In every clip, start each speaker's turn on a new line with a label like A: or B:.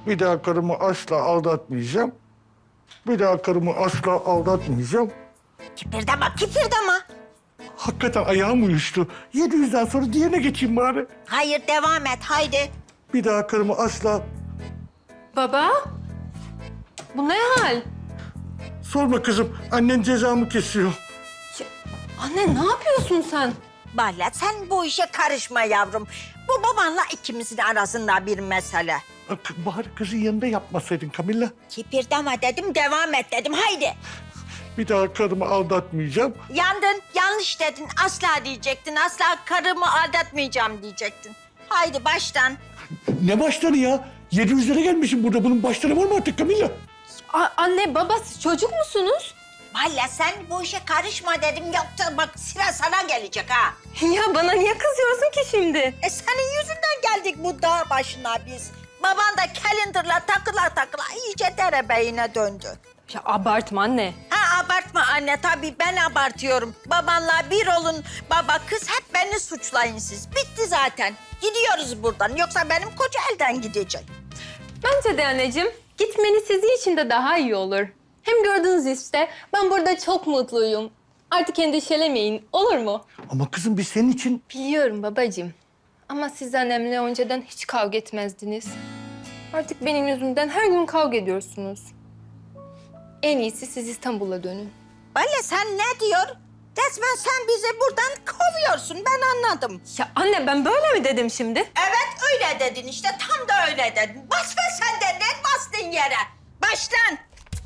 A: Bir daha karımı asla aldatmayacağım. Bir daha karımı asla aldatmayacağım.
B: Kıpırdama, kıpırdama.
A: Hakikaten ayağım uyuştu. 700'den sonra diğerine geçeyim bari.
B: Hayır, devam et, haydi.
A: Bir daha karımı asla...
C: Baba, bu ne hal?
A: Sorma kızım, annen cezamı kesiyor.
C: Anne ne yapıyorsun sen?
B: Vallahi sen bu işe karışma yavrum. Bu babanla ikimizin arasında bir mesele.
A: Bari kızın yanında yapmasaydın Kamilla.
B: Kıpırdama dedim, devam et dedim, haydi.
A: Bir daha karımı aldatmayacağım.
B: Yandın, yanlış dedin. Asla diyecektin, asla karımı aldatmayacağım diyecektin. Haydi baştan.
A: Ne başları ya? 700'lere gelmişim burada. Bunun başları var mı artık Kamilla?
C: Anne, baba siz çocuk musunuz?
B: Vallahi sen bu işe karışma dedim. Yoksa bak sıra sana gelecek ha.
C: Ya bana niye kızıyorsun ki şimdi?
B: Senin yüzünden geldik bu dağ başına biz. Baban da calendar'la takıla iyice derebeyine döndü.
C: Ya abartma anne.
B: Ha abartma anne, tabii ben abartıyorum. Babanla bir olun, baba kız hep beni suçlayın siz. Bitti zaten. Gidiyoruz buradan, yoksa benim koca elden gidecek.
C: Bence de anneciğim, gitmeniz sizin için de daha iyi olur. Hem gördünüz işte, ben burada çok mutluyum. Artık endişelemeyin, olur mu?
A: Ama kızım biz senin için...
C: Biliyorum babacığım. Ama siz annemle önceden hiç kavga etmezdiniz. Artık benim yüzümden her gün kavga ediyorsunuz. En iyisi siz İstanbul'a dönün.
B: Vallahi sen ne diyor? Resmen sen bizi buradan kovuyorsun, ben anladım.
C: Ya anne ben böyle mi dedim şimdi?
B: Evet öyle dedin işte, tam da öyle dedin. Basma sen de, ne bastın yere? Başlan.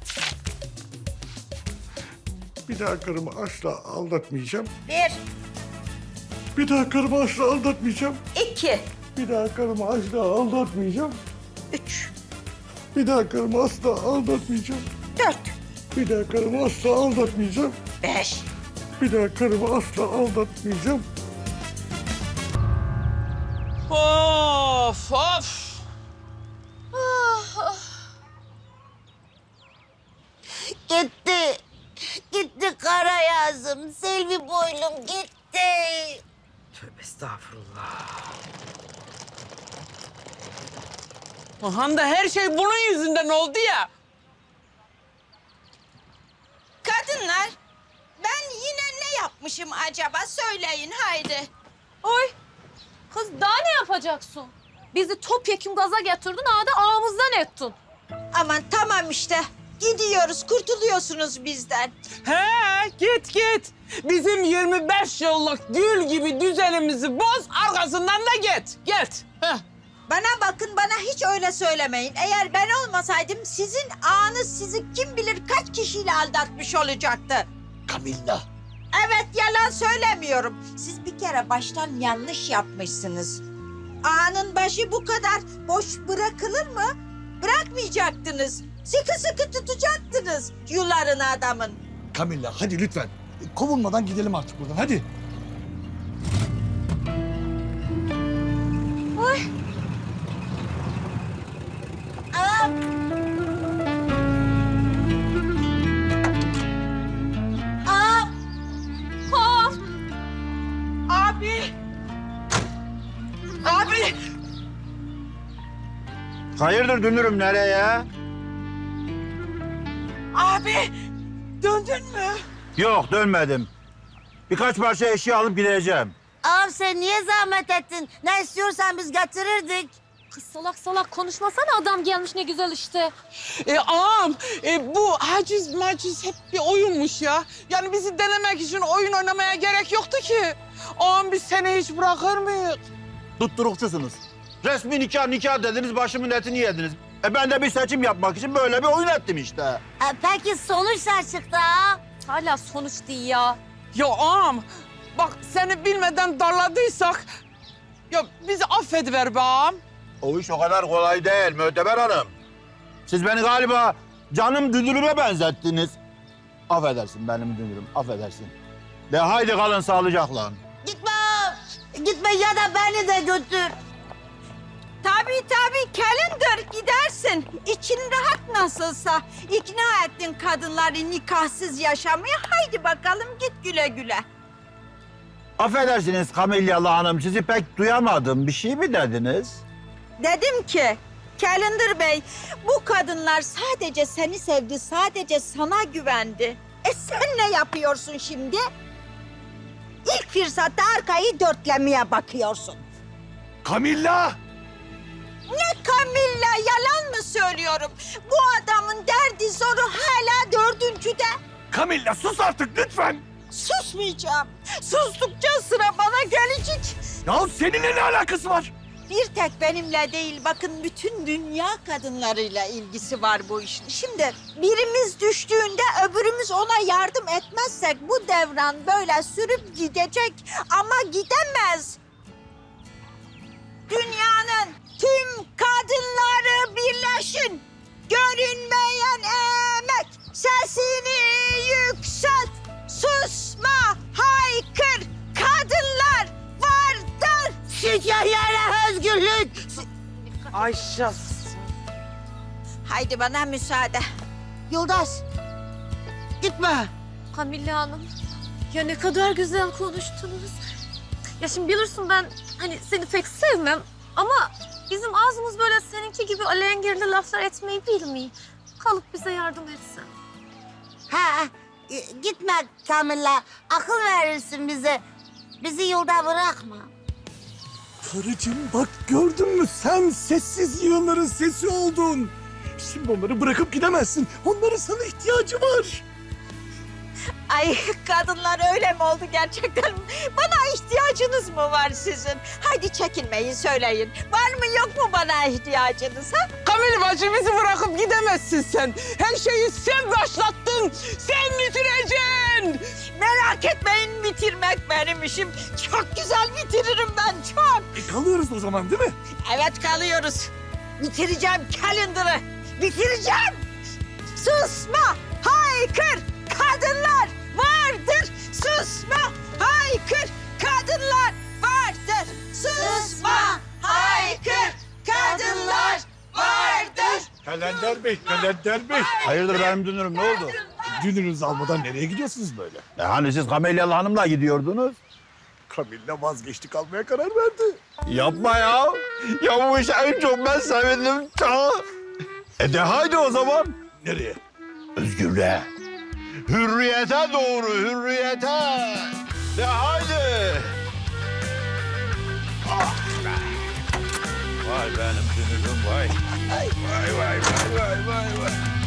A: Bir daha karımı asla aldatmayacağım.
B: 1,
A: Bir daha karımı asla aldatmayacağım.
B: 2,
A: Bir daha karımı asla aldatmayacağım.
B: 3,
A: Bir daha karımı asla aldatmayacağım.
B: 4,
A: Bir daha karımı asla aldatmayacağım.
B: 5.
A: Bir daha karımı asla aldatmayacağım.
D: Of of.
B: Gitti. Gitti kara yazım. Selvi boylum gitti.
D: Tövbe estağfurullah. Ahan da her şey bunun yüzünden oldu ya.
B: Kadınlar, ben yine ne yapmışım acaba? Söyleyin haydi.
E: Oy! Kız daha ne yapacaksın? Bizi topyekun gaza getirdin, ağda ağımızdan ettin.
B: Aman tamam işte. Gidiyoruz, kurtuluyorsunuz bizden.
D: He git git. Bizim 25 yıllık gül gibi düzenimizi boz, arkasından da git. Heh.
B: Bana bakın, bana hiç öyle söylemeyin. Eğer ben olmasaydım sizin ağanız sizi kim bilir kaç kişiyle aldatmış olacaktı.
A: Kamilla.
B: Evet, yalan söylemiyorum. Siz bir kere baştan yanlış yapmışsınız. Ağanın başı bu kadar boş bırakılır mı? Bırakmayacaktınız. Sıkı sıkı tutacaktınız yularını adamın.
A: Kamilla hadi lütfen. Kovulmadan gidelim artık buradan hadi.
B: Aa! Aa!
E: Ha!
B: Abi! Abi!
F: Hayırdır dönürüm nereye?
B: Abi! Döndün mü?
F: Yok dönmedim. Birkaç parça eşya alıp gideceğim.
B: Ağam sen niye zahmet ettin? Ne istiyorsan biz getirirdik.
E: Kız salak salak konuşmasana, adam gelmiş ne güzel işte.
D: Ağam bu haciz maciz hep bir oyunmuş ya. Yani bizi denemek için oyun oynamaya gerek yoktu ki. Ağam biz seni hiç bırakır mıyız?
F: Tutturukçusunuz. Resmi nikah dediniz, başımın etini yediniz. Ben de bir seçim yapmak için böyle bir oyun ettim işte.
B: Peki sonuç ne çıktı ağam?
E: Hala sonuç değil ya.
D: Ya ağam bak seni bilmeden darladıysak... Ya bizi affediver be ağam.
F: O iş o kadar kolay değil Möteber Hanım. Siz beni galiba canım dünürüme benzettiniz. Affedersin benim dünürüm, affedersin. De haydi kalın sağlıcakla.
B: Gitme ağam. Gitme ya da beni de götür. Tabii kalender gidersin. İçin rahat nasılsa. İkna ettin kadınları nikahsız yaşamaya. Haydi bakalım git güle güle.
F: Affedersiniz Kamilyalı Hanım, sizi pek duyamadım. Bir şey mi dediniz?
B: Dedim ki Kalender Bey, bu kadınlar sadece seni sevdi, sadece sana güvendi. Sen ne yapıyorsun şimdi? İlk fırsatta arkayı dörtlemeye bakıyorsun.
A: Camilla!
B: Ne Camilla, yalan mı söylüyorum? Bu adamın derdi zoru hala dördüncüde.
A: Camilla sus artık lütfen.
B: Susmayacağım. Sustukça sıra bana gelecek.
A: Ya seninle ne alakası var?
B: Bir tek benimle değil, bakın bütün dünya kadınlarıyla ilgisi var bu işin. Şimdi birimiz düştüğünde öbürümüz ona yardım etmezsek bu devran böyle sürüp gidecek ama gidemez. Dünyanın tüm kadınları birleşin. Görünmeyen emek, sesini yükselt. Susma, haykır, kadınlar vardır. Şikayere özgürlük.
D: Ayşe.
B: Haydi bana müsaade.
G: Yıldız, gitme.
E: Kamille Hanım, ya ne kadar güzel konuştunuz. Ya şimdi bilirsin ben hani seni pek sevmem ama bizim ağzımız böyle seninki gibi alengirli laflar etmeyi bilmiyor. Kalıp bize yardım etsen.
G: Ha, gitme Kamilla. Akıl verirsin bize. Bizi yolda bırakma.
A: Karıcığım bak gördün mü sen sessiz yığınların sesi oldun. Şimdi onları bırakıp gidemezsin. Onların sana ihtiyacı var.
B: Ay kadınlar öyle mi oldu gerçekten? Bana ihtiyacınız mı var sizin? Haydi çekinmeyin söyleyin. Var mı yok mu bana ihtiyacınız ha?
D: Kamil bacı bizi bırakıp gidemezsin sen. Her şeyi sen başlattın. Sen bitireceksin.
B: Merak etmeyin bitirmek benim işim. Çok güzel bitiririm ben çok.
A: Kalıyoruz o zaman değil mi?
B: Evet kalıyoruz. Bitireceğim Calendar'ı. Bitireceğim. Susma, haykır, kadınlar vardır. Susma, haykır, kadınlar vardır. Susma, haykır, kadınlar vardır.
A: Kalender Bey.
F: Hayırdır benim dünürüm ne oldu?
A: Dünürünüzü almadan nereye gidiyorsunuz böyle?
F: Hani siz Kamelyalı Hanım'la gidiyordunuz?
A: Camilla vazgeçti kalmaya karar verdi.
F: Yapma ya. Ya bu işe en çok ben sevindim. De haydi o zaman.
A: Nereye?
F: Özgürlüğe. Hürriyete doğru, hürriyete. De haydi. Ah be. Vay benim dünürüm vay. Vay.